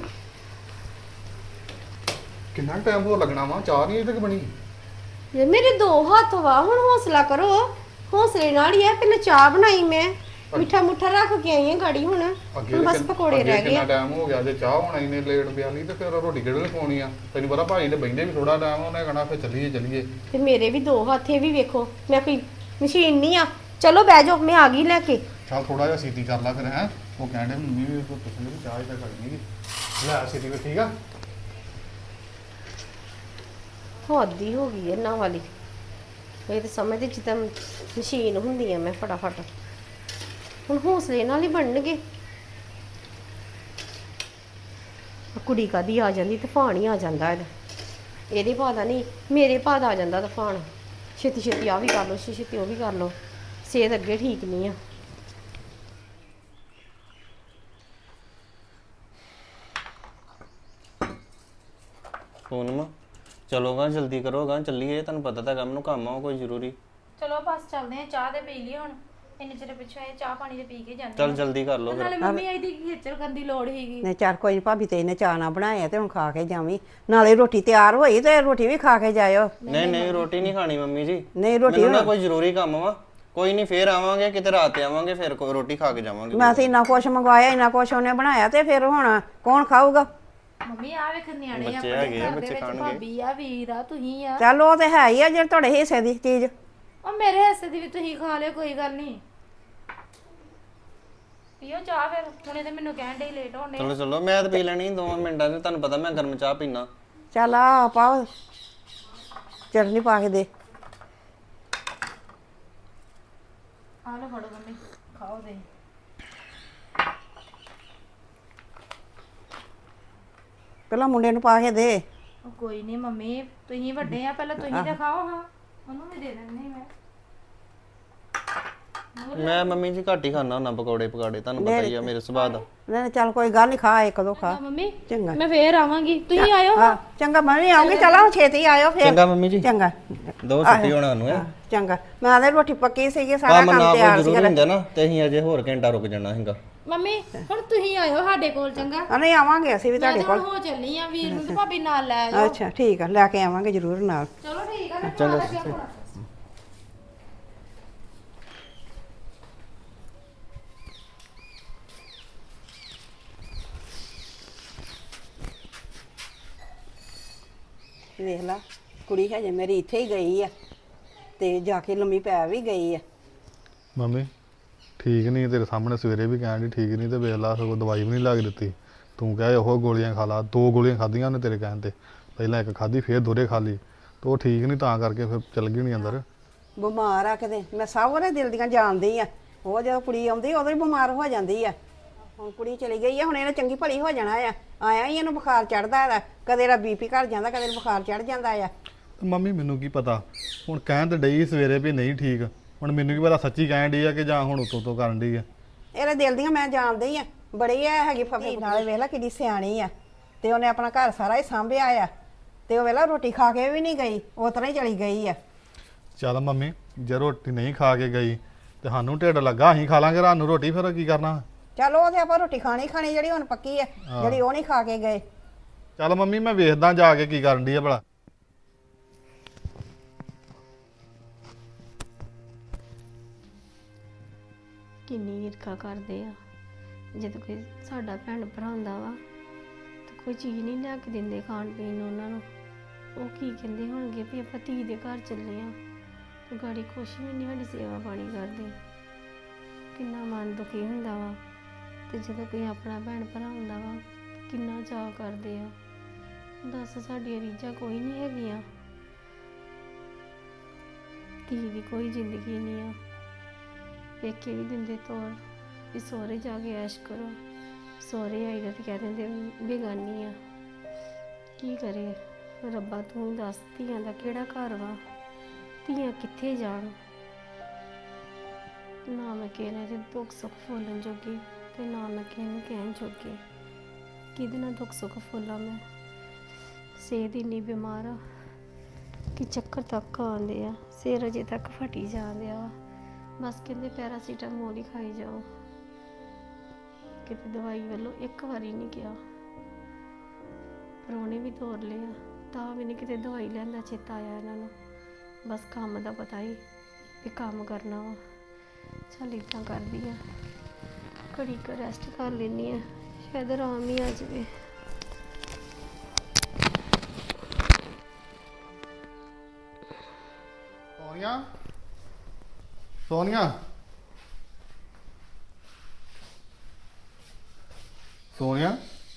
[SPEAKER 6] ਕਿੰਨਾ ਟਾਈਮ ਹੋ ਲੱਗਣਾ ਵਾ? ਚਾਹ ਨਹੀਂ ਅਜੇ ਤੱਕ ਬਣੀ।
[SPEAKER 1] ਜੇ ਮੇਰੇ ਦੋ ਹੱਥ ਵਾ, ਹੁਣ ਹੌਸਲਾ ਕਰੋ। ਹੌਸਲੇ ਨਾਲ ਹੀ ਆ। ਪਹਿਲਾਂ ਚਾਹ ਬਣਾਈ ਮੈਂ, ਮਿੱਠਾ ਮੁੱਠਾ ਰੱਖ ਕੇ ਆਈ ਆ ਗਾੜੀ। ਹੁਣ
[SPEAKER 6] ਅੱਗੇ
[SPEAKER 1] ਹੁਣ ਬਸ
[SPEAKER 6] ਕਿੰਨ-
[SPEAKER 1] ਪਕੌੜੇ
[SPEAKER 6] ਅੱਗੇ
[SPEAKER 1] ਰਹਿ ਗਏ
[SPEAKER 6] ਕਿੰਨਾ
[SPEAKER 1] ਆ।
[SPEAKER 6] ਟਾਈਮ ਹੋ ਗਿਆ, ਜੇ ਚਾਹ ਹੋਣਾ ਇਹਨੇ ਲੇਟ ਪਿਆ ਨਹੀਂ ਤੇ ਫਿਰ ਰੋਟੀ ਕਿਹੜੇ ਵੇਲੇ ਖਾਣੀ ਆ? ਤੈਨੂੰ ਪਤਾ ਭਾਈ ਦੇ ਬੈਠੇ ਵੀ ਥੋੜਾ ਟਾਈਮ, ਉਹਨੇ ਕਹਣਾ ਫਿਰ ਚੱਲੀਏ ਚੱਲੀਏ।
[SPEAKER 1] ਤੇ ਮੇਰੇ ਵੀ ਦੋ ਹੱਥ, ਇਹ ਵੀ ਵੇਖੋ। ਮੈਂ ਕੋਈ ਮਸ਼ੀਨ ਨਹੀਂ ਆ। ਚਲੋ ਬਹਿ ਜਾਓ, ਮੈਂ ਆ ਗਈ ਲੈ ਕੇ।
[SPEAKER 6] ਚੱਲ ਥੋੜਾ ਜਿਹਾ ਸੀਤੀ ਕਰ ਲੈ ਫਿਰ। ਹੈ ਉਹ ਕਹਿੰਦੇ ਮੰਮੀ ਵੀ ਪੁੱਛਣ ਵੀ ਚਾਹ ਹੀ ਤਾਂ ਕਰਨੀ ਲੈ ਸੀਤੀ ਵੀ। ਠੀਕ ਆ,
[SPEAKER 1] ਹੱਦੀ ਹੋ ਗਈ ਇਹਨਾਂ ਵਾਲੀ। ਇਹ ਤਾਂ ਸਮਝਦੇ ਜਿੱਦਾਂ ਮਸ਼ੀਨ ਹੁੰਦੀ ਆ। ਮੈਂ ਫਟਾਫਟ ਹੁਣ ਹੌਸਲੇ ਨਾਲ ਹੀ ਬਣਨਗੇ। ਆਹ ਕੁੜੀ ਕਾਦੀ ਆ ਜਾਂਦੀ, ਤੂਫਾਨ ਹੀ ਆ ਜਾਂਦਾ ਇਹਦਾ। ਇਹਦੇ ਭਾਅ ਦਾ ਨਹੀਂ, ਮੇਰੇ ਭਾਅ ਦਾ ਆ ਜਾਂਦਾ ਤੂਫਾਨ। ਛੇਤੀ ਛੇਤੀ ਆ ਵੀ ਕਰ ਲਓ, ਛੇਤੀ ਛੇਤੀ ਉਹ ਵੀ ਕਰ ਲਓ। ਸਿਹਤ ਅੱਗੇ ਠੀਕ ਨਹੀਂ ਆ।
[SPEAKER 4] ਫੋਨ ਚਲੋਗਾ, ਜਲਦੀ ਕਰੋਗਾ, ਚੱਲੀਏ। ਤੁਹਾਨੂੰ ਪਤਾ ਤਾਂ ਕੰਮ ਨੂੰ ਕੰਮ ਆ ਕੋਈ ਜ਼ਰੂਰੀ।
[SPEAKER 3] ਚਲੋ ਬਸ ਚੱਲਦੇ ਆ, ਚਾਹ ਤੇ ਪੀ ਲਈ ਹੁਣ। ਇੰਨੇ ਚਿਰ ਪਿੱਛੋਂ ਇਹ ਚਾਹ ਪਾਣੀ ਤੇ ਪੀ ਕੇ ਜਾਂਦੇ
[SPEAKER 4] ਚੱਲ ਜਲਦੀ ਕਰ ਲਓ ਫਿਰ।
[SPEAKER 3] ਨਾਲੇ ਮੰਮੀ ਇਹਦੀ ਖੇਚਲ ਕਰਨ ਦੀ ਲੋੜ ਹੀਗੀ।
[SPEAKER 2] ਨੇ ਚਾਰ ਕੋਈ ਨੀ, ਭਾਬੀ ਤੇ ਇਹਨੇ ਚਾਹ ਨਾ ਬਣਾਇਆ ਤੇ ਹੁਣ ਖਾ ਕੇ ਜਾਵੀਂ। ਨਾਲੇ ਰੋਟੀ ਤਿਆਰ ਹੋਈ ਤੇ ਰੋਟੀ ਵੀ ਖਾ ਕੇ ਜਾਇਓ।
[SPEAKER 4] ਨਹੀਂ ਨਹੀਂ ਰੋਟੀ ਨਹੀਂ ਖਾਣੀ ਮੰਮੀ ਜੀ।
[SPEAKER 2] ਨਹੀਂ ਰੋਟੀ
[SPEAKER 4] ਮੈਨੂੰ ਨਾ ਕੋਈ ਜ਼ਰੂਰੀ ਕੰਮ ਵਾ। ਕੋਈ ਨਹੀਂ, ਫੇਰ ਆਵਾਂਗੇ ਕਿਤੇ, ਰਾਤ ਤੇ ਆਵਾਂਗੇ, ਫਿਰ ਕੋਈ ਰੋਟੀ ਖਾ ਕੇ ਜਾਵਾਂਗੇ।
[SPEAKER 2] ਮੈਂ ਤੇ ਇੰਨਾ ਕੁਛ ਮੰਗਵਾਇਆ, ਇੰਨਾ ਕੁਛ ਉਹਨੇ ਬਣਾਇਆ, ਤੇ ਫਿਰ ਹੁਣ ਕੌਣ ਖਾਊਗਾ?
[SPEAKER 3] ਮੰਮੀ ਆ ਵੇਖ ਨਿਆਣੇ
[SPEAKER 4] ਬੱਚੇ
[SPEAKER 3] ਆਪਣੇ
[SPEAKER 4] ਹੈਗੇ ਆ,
[SPEAKER 3] ਘਰ ਦੇ
[SPEAKER 4] ਬੱਚੇ
[SPEAKER 3] ਵਿੱਚ
[SPEAKER 4] ਖਾਣਗੇ।
[SPEAKER 3] ਭਾਬੀ ਆ, ਵੀਰ ਆ, ਤੁਸੀਂ ਆ।
[SPEAKER 2] ਚੱਲ ਉਹ ਤੇ ਹੈ ਹੀ ਆ, ਜਿਹੜੇ ਤੁਹਾਡੇ ਹਿੱਸੇ ਦੀ ਚੀਜ਼।
[SPEAKER 3] ਉਹ ਮੇਰੇ ਹਿੱਸੇ ਦੀ ਵੀ ਤੁਸੀਂ ਖਾ ਲਿਓ, ਕੋਈ ਗੱਲ ਨਹੀਂ। ਪੀਓ ਚਾਹ ਫਿਰ, ਹੁਣੇ ਤੇ ਮੈਨੂੰ ਕਹਿਣ ਦੇ ਲੇਟ ਹੋਣੇ।
[SPEAKER 4] ਚਲੋ ਚਲੋ, ਮੈਂ ਤਾਂ ਪੀ ਲੈਣੀ ਦੋ ਮਿੰਟਾਂ 'ਚ। ਤੁਹਾਨੂੰ ਪਤਾ ਮੈਂ ਗਰਮ ਚਾਹ ਪੀਣਾ।
[SPEAKER 2] ਚੱਲ ਆ ਪਾਓ, ਚਟਨੀ ਪਾ ਕੇ ਦੇ।
[SPEAKER 3] ਆ ਲਓ ਫੜੋ ਮੰਮੀ, ਖਾਓ ਦੇ।
[SPEAKER 2] ਪਹਿਲਾਂ ਮੁੰਡੇ ਨੂੰ ਪਾ ਕੇ ਦੇ।
[SPEAKER 3] ਉਹ ਕੋਈ ਨਹੀਂ ਮੰਮੀ, ਤੁਸੀਂ ਵੱਡੇ ਆ, ਪਹਿਲਾਂ ਤੁਸੀਂ ਤਾਂ ਖਾਓ। ਹਾਂ ਉਹਨੂੰ ਵੀ ਦੇ ਦਿੰਦੀ ਮੈਂ।
[SPEAKER 4] ਮੈਂ ਮੰਮੀ ਜੀ ਘੱਟ ਹੀ ਖਾਣਾ ਹੁੰਦਾ ਪਕੌੜੇ ਪਕਾੜੇ, ਤੁਹਾਨੂੰ ਪਤਾ ਹੀ ਆ ਮੇਰੇ ਸੁਭਾਅ ਦਾ।
[SPEAKER 2] ਨਹੀਂ ਚੱਲ ਕੋਈ ਗੱਲ ਨਹੀਂ, ਖਾ ਇੱਕ ਦੋ ਖਾ।
[SPEAKER 3] ਮੰਮੀ
[SPEAKER 2] ਚੰਗਾ
[SPEAKER 3] ਮੈਂ ਫੇਰ ਆਵਾਂਗੀ, ਤੁਸੀਂ ਆਇਓ।
[SPEAKER 2] ਹਾਂ ਚੰਗਾ, ਮੈਂ ਵੀ ਆਉਂਗੀ। ਚਲੋ ਛੇਤੀ ਆਇਓ ਫਿਰ।
[SPEAKER 4] ਚੰਗਾ ਮੰਮੀ ਜੀ,
[SPEAKER 2] ਚੰਗਾ
[SPEAKER 4] ਦੋ ਛੁੱਟੀ ਹੋਣਾ ਸਾਨੂੰ ਹੈ।
[SPEAKER 2] ਚੰਗਾ, ਮੈਂ ਆਦੇ ਰੋਟੀ ਪੱਕੀ ਸੀਗੀ, ਸਾਰਾ
[SPEAKER 4] ਕੰਮ ਨਾ
[SPEAKER 2] ਕੰਮ
[SPEAKER 4] ਕੋਈ
[SPEAKER 2] ਤਿਆਰ
[SPEAKER 4] ਜ਼ਰੂਰੀ
[SPEAKER 2] ਸੀਗਾ।
[SPEAKER 4] ਹੁੰਦਾ ਨਾ, ਤੇ ਅਸੀਂ ਅਜੇ ਹੋਰ ਘੰਟਾ ਰੁਕ ਜਾਣਾ ਹੈਗਾ।
[SPEAKER 3] ਮੰਮੀ ਹੁਣ ਤੁਸੀਂ ਆਇਓ ਸਾਡੇ ਕੋਲ, ਚੰਗਾ?
[SPEAKER 2] ਆ ਨਹੀਂ ਆਵਾਂਗੇ ਅਸੀਂ ਵੀ
[SPEAKER 3] ਮੈਂ
[SPEAKER 2] ਤੁਹਾਡੇ
[SPEAKER 3] ਤਾਂ
[SPEAKER 2] ਕੋਲ।
[SPEAKER 3] ਹੁਣ ਹੋ ਚੱਲੀ ਆ, ਵੀਰ ਨੂੰ ਤੇ ਭਾਬੀ ਨਾਲ ਲੈ ਆਇਓ।
[SPEAKER 2] ਅੱਛਾ ਠੀਕ ਆ, ਲੈ ਕੇ ਆਵਾਂਗੇ ਜ਼ਰੂਰ ਨਾਲ।
[SPEAKER 3] ਚਲੋ ਠੀਕ ਆ, ਮੈਂ ਖਾ ਲੱਗਿਆ ਹੁਣ।
[SPEAKER 2] ਵੇਖ ਲਾ, ਕੁੜੀ ਹਜੇ ਮੇਰੀ ਇੱਥੇ ਹੀ ਗਈ ਆ ਤੇ ਜਾ ਕੇ ਲੰਮੀ ਪੈ ਵੀ ਗਈ ਆ।
[SPEAKER 6] ਮੰਮੀ ਠੀਕ ਨਹੀਂ, ਤੇਰੇ ਸਾਹਮਣੇ ਸਵੇਰੇ ਵੀ ਕਹਿਣ ਦੀ ਠੀਕ ਨਹੀਂ, ਤੇ ਵੇਖ ਲਾ ਸਗੋਂ ਦਵਾਈ ਵੀ ਨਹੀਂ ਲੱਗ ਦਿੱਤੀ। ਤੂੰ ਕਹੇ ਉਹ ਗੋਲੀਆਂ ਖਾ ਲਾ, ਦੋ ਗੋਲੀਆਂ ਖਾਧੀਆਂ ਉਹਨੇ ਤੇਰੇ ਕਹਿਣ ਤੇ। ਪਹਿਲਾਂ ਇੱਕ ਖਾਧੀ ਫੇਰ ਦੋਰੇ ਖਾ ਲਈ ਤੇ ਉਹ ਠੀਕ ਨਹੀਂ ਤਾਂ ਕਰਕੇ ਫਿਰ ਚੱਲ ਗਈ ਨਹੀਂ ਅੰਦਰ।
[SPEAKER 2] ਬਿਮਾਰ ਆ ਕਿਤੇ ਮੈਂ ਸਭ ਉਹਦੇ ਦਿਲ ਦੀਆਂ ਜਾਣਦੀ ਆ। ਉਹ ਜਦੋਂ ਕੁੜੀ ਆਉਂਦੀ ਉਦੋਂ ਹੀ ਬਿਮਾਰ ਹੋ ਜਾਂਦੀ ਆ। ਹੁਣ ਕੁੜੀ ਚਲੀ ਗਈ ਆ, ਹੁਣ ਇਹਨੇ ਚੰਗੀ ਭਲੀ ਹੋ ਜਾਣਾ ਆ। ਆਇਆ ਹੀ ਇਹਨੂੰ ਬੁਖਾਰ ਚੜਦਾ ਆ, ਕਦੇ ਇਹਦਾ ਬੀਪੀ ਘਟ ਜਾਂਦਾ, ਕਦੇ ਇਹਨੂੰ ਬੁਖਾਰ ਚੜ ਜਾਂਦਾ ਆ।
[SPEAKER 6] ਤੇ ਮੰਮੀ ਮੈਨੂੰ ਕੀ ਪਤਾ, ਹੁਣ ਕਹਿਣ ਤੇ ਡਈ ਸਵੇਰੇ ਵੀ ਨਹੀਂ ਠੀਕ, ਹੁਣ ਮੈਨੂੰ ਕੀ ਪਤਾ ਸੱਚੀ ਕਹਿਣ ਡਈ ਆ ਕਿ ਜਾਂ ਹੁਣ ਉਤੋਂ ਤੋਂ ਕਰਨ ਡਈ ਆ।
[SPEAKER 2] ਇਹਦੇ ਦਿਲ ਦੀਆਂ ਮੈਂ ਜਾਣਦੀ ਆ, ਬੜੀ ਆ ਹੈਗੀ ਫਫੀ ਨਾਲੇ ਵੇਖ ਲੈ ਕਿੱਡੀ ਸਿਆਣੀ ਆ। ਤੇ ਉਹਨੇ ਆਪਣਾ ਘਰ ਸਾਰਾ ਹੀ ਸਾਂਭਿਆ ਆ। ਤੇ ਉਹ ਵੇਲਾ ਰੋਟੀ ਖਾ ਕੇ ਵੀ ਨਹੀਂ ਗਈ, ਉਸ ਤਰ੍ਹਾਂ ਹੀ ਚਲੀ ਗਈ ਆ।
[SPEAKER 6] ਚੱਲ ਮੰਮੀ ਜੇ ਰੋਟੀ ਨਹੀਂ ਖਾ ਕੇ ਗਈ ਤੇ ਸਾਨੂੰ ਢਿੱਡ ਲੱਗਾ, ਅਸੀਂ ਖਾ ਲਾਂਗੇ ਰਾਤ ਨੂੰ ਰੋਟੀ, ਫਿਰ ਕੀ ਕਰਨਾ।
[SPEAKER 2] ਚਲ ਉਹ ਤੇ ਆਪਾਂ ਰੋਟੀ ਖਾਣੀ ਖਾਣੀ ਜਿਹੜੀ ਹੁਣ ਪੱਕੀ ਆ, ਜਿਹੜੀ ਉਹ ਨਹੀਂ ਖਾ ਕੇ ਗਏ।
[SPEAKER 6] ਚੱਲ ਮੰਮੀ ਮੈਂ ਵੇਖਦਾ ਜਾ ਕੇ ਕੀ ਕਰਨ ਡਈ ਆ ਭਲਾ।
[SPEAKER 1] ਕਿੰਨੀ ਈਰਖਾ ਕਰਦੇ ਆ। ਜਦੋਂ ਕੋਈ ਸਾਡਾ ਭੈਣ ਭਰਾ ਹੁੰਦਾ ਵਾ ਤੇ ਕੋਈ ਚੀਜ਼ ਨਹੀਂ ਲਿਆ ਕੇ ਦਿੰਦੇ ਖਾਣ ਪੀਣ ਨੂੰ ਉਹਨਾਂ ਨੂੰ, ਉਹ ਕੀ ਕਹਿੰਦੇ ਹੋਣਗੇ ਵੀ ਆਪਾਂ ਧੀ ਦੇ ਘਰ ਚੱਲੇ ਆ ਤੇ ਗਾੜੀ ਕੁਛ ਵੀ ਨਹੀਂ ਸਾਡੀ ਸੇਵਾ ਪਾਣੀ ਕਰਦੇ। ਕਿੰਨਾ ਮਨ ਦੁਖੀ ਹੁੰਦਾ ਵਾ। ਤੇ ਜਦੋਂ ਕੋਈ ਆਪਣਾ ਭੈਣ ਭਰਾ ਹੁੰਦਾ ਵਾ ਕਿੰਨਾ ਚਾਅ ਕਰਦੇ ਆ। ਦੱਸ ਸਾਡੀਆਂ ਰੀਝਾਂ ਕੋਈ ਨਹੀਂ ਹੈਗੀਆਂ। ਧੀ ਦੀ ਕੋਈ ਜ਼ਿੰਦਗੀ ਨਹੀਂ ਆ। ਪੇਕੇ ਵੀ ਦਿੰਦੇ ਤੋਰ ਵੀ ਸਹੁਰੇ ਜਾ ਕੇ ਐਸ਼ ਕਰੋ, ਸਹੁਰੇ ਆਈ ਦਾ ਤੇ ਕਹਿ ਦਿੰਦੇ ਬੇਗਾਨੀ ਆ। ਕੀ ਕਰੇ ਰੱਬਾ, ਤੂੰ ਹੀ ਦੱਸ ਧੀਆਂ ਦਾ ਕਿਹੜਾ ਘਰ ਵਾ, ਧੀਆਂ ਕਿੱਥੇ ਜਾਣ। ਨਾ ਮੈਂ ਕਿਸੇ ਨਾਲ ਦੁੱਖ ਸੁੱਖ ਫੋਲਣ ਜੋਗੀ ਤੇ ਨਾ ਮੈਂ ਕਿਸੇ ਨੂੰ ਕਹਿਣ ਜੋਗੀ। ਕਿਹਦੇ ਨਾਲ ਦੁੱਖ ਸੁੱਖ ਫੋਲਾਂ ਮੈਂ। ਸਿਹਤ ਇੰਨੀ ਬਿਮਾਰ ਆ ਕਿ ਚੱਕਰ ਤੱਕ ਆਉਂਦੇ ਆ, ਸਿਰ ਅਜੇ ਤੱਕ ਫਟੀ ਜਾਂਦੇ ਆ। ਬਸ ਕਹਿੰਦੇ ਪੈਰਾਸੀਟਾਮੋਲ ਹੀ ਖਾਈ ਜਾਓ, ਕਿਤੇ ਦਵਾਈ ਵੱਲੋਂ ਇੱਕ ਵਾਰੀ ਨਹੀਂ ਗਿਆ। ਪਰੋਣੇ ਵੀ ਤੋਰ ਲਿਆ ਤਾਂ ਵੀ ਨਹੀਂ ਕਿਤੇ ਦਵਾਈ ਲੈਣ ਦਾ ਚੇਤਾ ਆਇਆ ਇਹਨਾਂ ਨੂੰ। ਬਸ ਕੰਮ ਦਾ ਪਤਾ ਹੀ ਵੀ ਕੰਮ ਕਰਨਾ ਵਾ। ਚੱਲ ਇੱਦਾਂ ਕਰਦੀ ਆ, ਘੜੀ ਕੁ ਰੈਸਟ ਕਰ ਲੈਂਦੀ ਆ, ਸ਼ਾਇਦ ਆਰਾਮ ਹੀ ਆ ਜਾਵੇ।
[SPEAKER 6] ਸੋਨੀਆ ਸੋਨੀਆ ਸੋਨੀਆ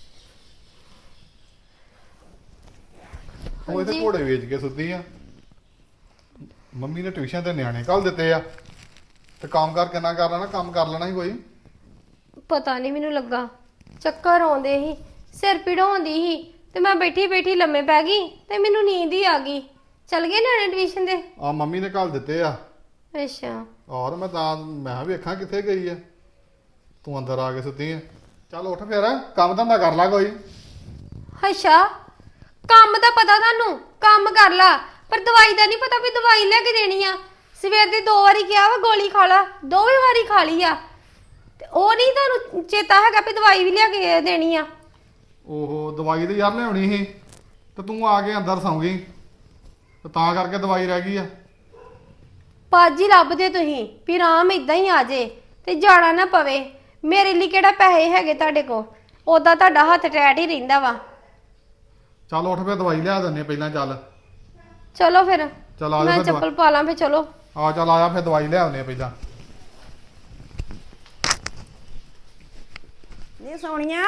[SPEAKER 6] ਉਹ ਇਹਦੇ ਘੋੜੇ ਵੇਚ ਕੇ ਸੁੱਤੀ ਆ। ਮੰਮੀ ਨੇ ਟਿਊਸ਼ਨ ਤੇ ਨਿਆਣੇ ਕੱਲ ਦਿੱਤੇ ਆ ਤੇ ਕੰਮ ਕਰ ਕਿੰਨਾ ਕਰ ਲੈਣਾ, ਕੰਮ ਕਰ ਲੈਣਾ ਹੀ ਕੋਈ।
[SPEAKER 1] ਪਤਾ ਨਹੀਂ ਮੈਨੂੰ ਲੱਗਾ ਚੱਕਰ ਆਉਂਦੇ ਸੀ, ਸਿਰ ਪੀੜ ਹੁੰਦੀ ਸੀ ਤੇ ਮੈਂ ਬੈਠੀ ਬੈਠੀ ਲੰਮੇ ਪੈ ਗਈ ਤੇ ਮੈਨੂੰ ਨੀਂਦ ਹੀ ਆ ਗਈ। ਚਲ ਗਏ ਨਿਆਣੇ ਟਿਊਸ਼ਨ ਦੇ?
[SPEAKER 6] ਆ ਮੰਮੀ ਨੇ ਕੱਲ ਦਿੱਤੇ ਆ।
[SPEAKER 1] ਅੱਛਾ।
[SPEAKER 6] ਔਰ ਮੈਂ ਤਾਂ ਮੈਂ ਕਿਹਾ ਵੇਖਾਂ ਕਿੱਥੇ ਗਈ ਆ, ਤੂੰ ਅੰਦਰ ਆ ਕੇ ਸੁੱਤੀ ਆ। ਚੱਲ ਉੱਠ ਫਿਰ ਕੰਮ ਧੰਦਾ ਕਰ ਲੈ ਕੋਈ।
[SPEAKER 1] ਅੱਛਾ, ਕੰਮ ਦਾ ਪਤਾ ਤੁਹਾਨੂੰ, ਕੰਮ ਕਰ ਲਾ, ਪਰ ਦਵਾਈ ਦਾ ਨਹੀਂ ਪਤਾ ਵੀ ਦਵਾਈ ਲੈ ਕੇ ਦੇਣੀ ਆ। ਸਵੇਰ ਦੇ ਦੋ ਵਾਰੀ ਕਿਹਾ ਵਾ ਗੋਲੀ ਖਾ ਲਾ, ਦੋਵੇਂ ਵਾਰੀ ਖਾ ਲਈ ਆ ਤੇ ਉਹ ਨਹੀਂ ਤੁਹਾਨੂੰ ਚੇਤਾ ਹੈਗਾ ਵੀ ਦਵਾਈ ਵੀ ਲਿਆ ਕੇ ਦੇਣੀ ਆ।
[SPEAKER 6] ਓਹੋ ਦਵਾਈ ਤੇ ਯਾਰ ਲਿਆਉਣੀ ਸੀ ਤੇ ਤੂੰ ਆ ਕੇ ਅੰਦਰ ਸੌਂ ਗਈ ਤੇ ਤਾਂ ਕਰਕੇ ਦਵਾਈ ਰਹਿ ਗਈ ਆ।
[SPEAKER 1] ਪੱਜ ਹੀ ਲੱਭਦੇ ਤੁਸੀਂ ਵੀ ਆਰਾਮ ਇਦਾਂ ਹੀ ਆ ਜੇ ਤੇ ਜਾਣਾ ਨਾ ਪਵੇ। ਮੇਰੇ ਲਈ ਕਿਹੜਾ ਪੈਸੇ ਹੈਗੇ ਤੁਹਾਡੇ ਕੋਲ, ਉਦਾਂ ਤੁਹਾਡਾ ਹੱਥ ਟੈਟ ਹੀ ਰਹਿੰਦਾ ਵਾ।
[SPEAKER 6] ਚੱਲ ਉੱਠ ਫਿਰ ਦਵਾਈ ਲਿਆ ਦਿੰਨੇ ਪਹਿਲਾਂ। ਚੱਲ
[SPEAKER 1] ਚਲੋ ਫਿਰ
[SPEAKER 6] ਚੱਲ ਆ ਜਾ
[SPEAKER 1] ਮੈਂ
[SPEAKER 6] ਫਿਰ
[SPEAKER 1] ਚੱਪਲ ਪਾ ਲਾਂ, ਫਿਰ ਚਲੋ।
[SPEAKER 6] ਆ ਚੱਲ ਆਇਆ ਫਿਰ ਦਵਾਈ ਲਿਆਉਨੇ ਪਹਿਲਾਂ।
[SPEAKER 2] ਨੀ ਸੋਹਣੀਆਂ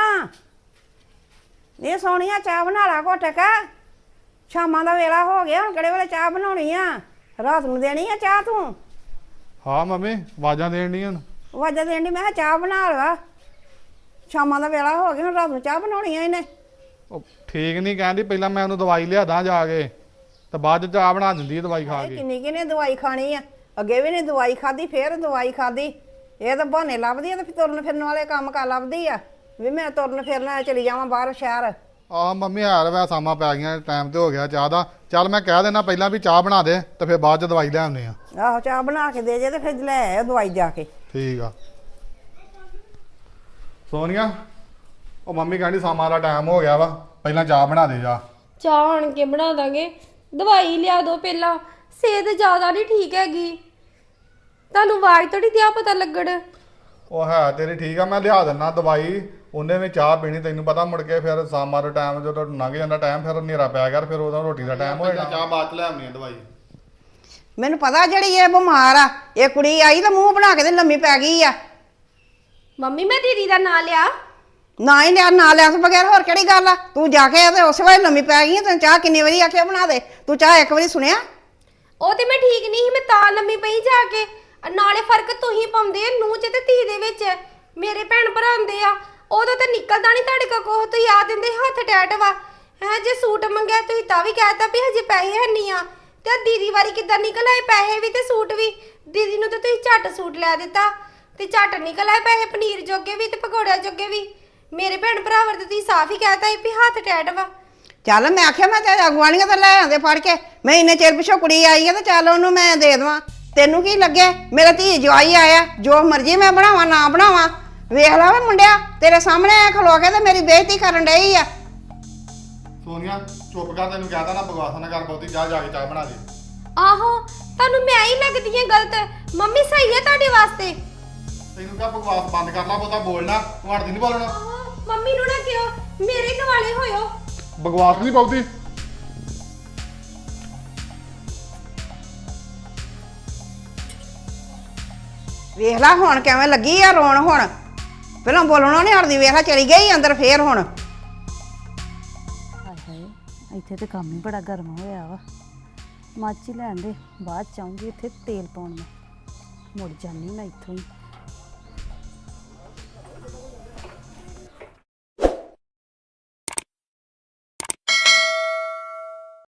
[SPEAKER 2] ਨੀ ਸੋਹਣੀਆਂ, ਚਾਹ ਬਣਾ ਲਾ ਘੁੱਟ ਕੇ। ਸ਼ਾਮਾਂ ਦਾ ਵੇਲਾ ਹੋ ਗਿਆ, ਹੁਣ ਕਿਹੜੇ ਵੇਲੇ ਚਾਹ ਬਣਾਉਣੀ ਆ? ਰਾਤ ਨੂੰ ਦੇਣੀ ਆ ਚਾਹ ਤੂੰ?
[SPEAKER 6] ਹਾਂ ਮੰਮੀ ਆਵਾਜ਼ਾਂ ਦੇਣ ਡੀਆਂ ਨੂੰ।
[SPEAKER 2] ਵਾਜਾ ਦੇਣ ਦੀ, ਮੈਂ ਕਿਹਾ ਚਾਹ ਬਣਾ ਲਾ। ਸ਼ਾਮਾਂ ਦਾ ਵੇਲਾ ਹੋ ਗਿਆ, ਹੁਣ ਰਾਤ ਨੂੰ ਚਾਹ ਬਣਾਉਣੀ ਆ ਇਹਨੇ।
[SPEAKER 6] ਉਹ ਠੀਕ ਨਹੀਂ ਕਹਿੰਦੀ, ਪਹਿਲਾਂ ਮੈਂ ਉਹਨੂੰ ਦਵਾਈ ਲਿਆਦਾ ਜਾ ਕੇ ਤੇ ਬਾਅਦ ਚ ਚਾਹ ਬਣਾ ਦਿੰਦੀ ਆ ਦਵਾਈ ਖਾ
[SPEAKER 2] ਇਹ
[SPEAKER 6] ਕੇ।
[SPEAKER 2] ਕਿੰਨੀ ਕਿੰਨੇ ਦਵਾਈ ਖਾਣੀ ਆ? ਅੱਗੇ ਵੀ ਨੇ ਦਵਾਈ ਖਾਦੀ, ਫੇਰ ਦਵਾਈ ਖਾਦੀ। ਇਹ ਤਾਂ ਬਹਾਨੇ ਲੱਭਦੀ ਆ ਤੇ ਫਿਰ ਤੁਰਨ ਫਿਰਨ ਵਾਲੇ ਕੰਮ ਕਰ ਲੱਭਦੀ ਆ ਵੀ ਮੈਂ ਤੁਰਨ ਫਿਰਨਾ ਚਲੀ ਜਾਵਾਂ ਬਾਹਰ ਸ਼ਹਿਰ।
[SPEAKER 6] ਆ ਮੰਮੀ ਹਾਰ ਵੈ ਸਾਮਾਂ ਪੈ ਗਈਆਂ, ਟਾਈਮ ਤੇ ਹੋ ਗਿਆ ਚਾਹ ਦਾ। ਚੱਲ ਮੈਂ ਕਹਿ ਦੇਣਾ ਪਹਿਲਾਂ ਵੀ ਚਾਹ ਬਣਾ ਦੇ ਤੇ ਫਿਰ ਬਾਅਦ ਚ ਦਵਾਈ ਲੈ ਆਉਂਦੇ ਆ।
[SPEAKER 2] ਆਹੋ ਚਾਹ ਬਣਾ ਕੇ ਦੇ ਜੇ ਤੇ ਫਿਰ ਲੈ ਆਇਓ ਦਵਾਈ ਜਾ ਕੇ।
[SPEAKER 6] ਠੀਕ ਆ। ਸੋਨੀਆ ਉਹ ਮੰਮੀ ਕਹਿੰਦੀ ਸਾਮਾਂ ਦਾ ਟਾਈਮ ਹੋ ਗਿਆ ਵਾ, ਪਹਿਲਾਂ ਚਾਹ ਬਣਾ ਦੇ ਜਾ।
[SPEAKER 1] ਚਾਹ ਆਣ ਕੇ ਬਣਾ ਦਾਂਗੇ, ਦਵਾਈ ਲਿਆ ਦੋ ਪਹਿਲਾਂ। ਸਿਹਤ ਜ਼ਿਆਦਾ ਨਹੀਂ ਠੀਕ ਹੈਗੀ, ਤੁਹਾਨੂੰ ਆਵਾਜ਼ ਤੋਂ ਨਹੀਂ ਦਿਆ ਪਤਾ ਲੱਗਣ।
[SPEAKER 6] ਉਹ ਹੈ ਤੇਰੀ ਠੀਕ ਆ, ਮੈਂ ਲਿਆ ਦਿੰਦਾ ਦਵਾਈ। ਉਹਨੇ ਵੀ ਚਾਹ ਪੀਣੀ, ਤੈਨੂੰ ਪਤਾ ਮੁੜ ਕੇ ਫਿਰ ਸਾਮਾਂ ਦਾ ਟਾਈਮ ਜਦੋਂ ਲੰਘ ਜਾਂਦਾ ਟਾਈਮ, ਫਿਰ ਹਨੇਰਾ ਪਿਆ ਕਰ, ਫਿਰ ਉਹਦਾ ਰੋਟੀ ਦਾ ਟਾਈਮ ਹੋ ਜਾਣਾ। ਚਾਹ ਬਾਅਦ ਚ ਲੈ ਆਉਣੀ ਆ ਦਵਾਈ।
[SPEAKER 2] ਮੈਨੂੰ ਪਤਾ ਜਿਹੜੀ ਇਹ ਬਿਮਾਰ ਆ, ਇਹ ਕੁੜੀ ਆਈ ਤਾਂ ਮੂੰਹ ਬਣਾ ਕੇ ਤੇ ਲੰਮੀ ਪੈ ਗਈ ਆ।
[SPEAKER 1] ਮੰਮੀ ਮੈਂ ਦੀਦੀ ਦਾ ਨਾਂ ਲਿਆ?
[SPEAKER 2] ਨਾ ਹੀ ਲਿਆ ਨਾ ਲਿਆ ਤੋਂ ਬਗੈਰ ਹੋਰ ਕਿਹੜੀ ਗੱਲ ਆ? ਤੂੰ ਜਾ ਕੇ ਤੇ ਉਸੇ ਵੇਲੇ ਲੰਮੀ ਪੈ ਗਈ ਆਂ। ਤੈਨੂੰ ਚਾਹ ਕਿੰਨੀ ਵਾਰੀ ਆਖਿਆ ਬਣਾ ਦੇ, ਤੂੰ ਚਾਹ ਇੱਕ ਵਾਰੀ ਸੁਣਿਆ?
[SPEAKER 1] ਉਹ ਤੇ ਮੈਂ ਠੀਕ ਨਹੀਂ ਸੀ, ਮੈਂ ਤਾਂ ਲੰਮੀ ਪਈ ਜਾ ਕੇ। ਆ ਨਾਲੇ ਫਰਕ ਤੁਸੀਂ ਪਾਉਂਦੇ ਆ ਨੂੰਹ ਚ ਤੇ ਧੀ ਦੇ ਵਿੱਚ। ਮੇਰੇ ਭੈਣ ਭਰਾ ਹੁੰਦੇ ਆ, ਉਦੋਂ ਤਾਂ ਨਿਕਲਦਾ ਨਹੀਂ ਤੁਹਾਡੇ ਕੋਲ ਕੋਹ। ਤੁਸੀਂ ਆ ਦਿੰਦੇ ਹੱਥ ਟੈਟ ਵਾ ਹੈ। ਜੇ ਸੂਟ ਮੰਗਿਆ ਤੁਸੀਂ ਤਾਂ ਵੀ ਕਹਿਤਾ ਵੀ ਹਜੇ ਪੈਸੇ ਹੈ ਨਹੀਂ ਆ। ਤੇ ਆਹ ਦੀਦੀ ਵਾਰੀ ਕਿੱਦਾਂ ਨਿਕਲ ਆਏ ਪੈਸੇ ਵੀ ਤੇ ਸੂਟ ਵੀ? ਦੀਦੀ ਨੂੰ ਤਾਂ ਤੁਸੀਂ ਝੱਟ ਸੂਟ ਲੈ ਦਿੱਤਾ ਤੇ ਝੱਟ ਨਿਕਲ ਆਏ ਪੈਸੇ, ਪਨੀਰ ਜੋਗੇ ਵੀ ਤੇ ਪਕੌੜਿਆਂ ਜੋਗੇ ਵੀ। ਮੇਰੇ ਭੈਣ ਭਰਾ ਵਰ ਤੇ ਤੁਸੀਂ ਸਾਫ਼ ਹੀ ਕਹਿਤਾ ਵੀ ਹੱਥ ਟੈਟ ਵਾ।
[SPEAKER 2] ਚੱਲ ਮੈਂ ਆਖਿਆ ਮੈਂ ਤੇ ਅਗਵਾਣੀਆਂ ਤਾਂ ਲੈ ਆਉਂਦੇ ਫੜ ਕੇ। ਮੈਂ ਇੰਨੇ ਚਿਰ ਪਿਛੋਂ ਕੁੜੀ ਆਈ ਆ ਤੇ ਚੱਲ ਉਹਨੂੰ ਮੈਂ ਦੇ ਦੇਵਾਂ। ਤੈਨੂੰ ਕੀ ਲੱਗੇ? ਮੇਰਾ ਧੀ ਜਵਾਈ ਆਇਆ, ਜੋ ਮਰਜ਼ੀ ਮੈਂ ਬਣਾਵਾਂ ਨਾ ਬਣਾਵਾਂ। ਵੇਖ ਲਾ ਵੇ ਮੁੰਡਿਆ, ਤੇਰੇ ਸਾਹਮਣੇ ਖਲੋ ਕੇ ਤੇ ਮੇਰੀ ਬੇਇੱਜ਼ਤੀ ਕਰਨ ਡਈ ਆ।
[SPEAKER 6] ਸੋਨੀਆ ਚੁੱਪ ਕਰ, ਤੈਨੂੰ ਕਹਿਤਾ ਨਾ ਬਕਵਾਸ ਨਾ ਕਰ ਬਹੁਤੀ। ਜਾ ਜਾ ਕੇ ਚਾਹ ਬਣਾ ਦੇ।
[SPEAKER 1] ਆਹੋ ਤੁਹਾਨੂੰ ਮੈਂ ਹੀ ਲੱਗਦੀ ਹੈ ਗਲਤ। ਮੰਮੀ ਸਹੀ ਹੈ ਤੁਹਾਡੇ ਵਾਸਤੇ।
[SPEAKER 6] ਤੈਨੂੰ ਕਿਹਾ ਬਕਵਾਸ ਬੰਦ ਕਰ ਲਾ, ਬਹੁਤਾ ਬੋਲਣਾ। ਤੂੰ ਹੜਦੀ ਨਹੀਂ ਬੋਲਣਾ।
[SPEAKER 1] ਆਹੋ ਮੰਮੀ ਨੂੰ ਨਾ ਕਿਉਂ ਮੇਰੇ ਦੁਆਲੇ ਹੋਇਓ।
[SPEAKER 6] ਬਕਵਾਸ ਨਹੀਂ ਬਹੁਤੀ।
[SPEAKER 2] ਵੇਖ ਲਾ ਹੁਣ ਕਿਵੇਂ ਲੱਗੀ ਆ ਰੋਣ। ਹੁਣ ਪਹਿਲਾਂ ਬੋਲਣਾ ਨਹੀਂ ਹਟਦੀ। ਵੇਖ ਲਾ ਚਲੀ ਗਈ ਅੰਦਰ ਫੇਰ। ਹੁਣ
[SPEAKER 7] ਹਾਏ ਹਾਏ, ਇੱਥੇ ਤੇ ਕੰਮ ਹੀ ਬੜਾ ਗਰਮ ਹੋਇਆ ਵਾ। ਮੱਚ ਹੀ ਲੈਣ ਦੇ, ਬਾਅਦ ਚ ਆਉਂਗੀ ਇੱਥੇ ਤੇਲ ਪਾਉਣ। ਮੈਂ ਮੁੜ ਜਾਨੀ ਮੈਂ ਇੱਥੋਂ ਹੀ।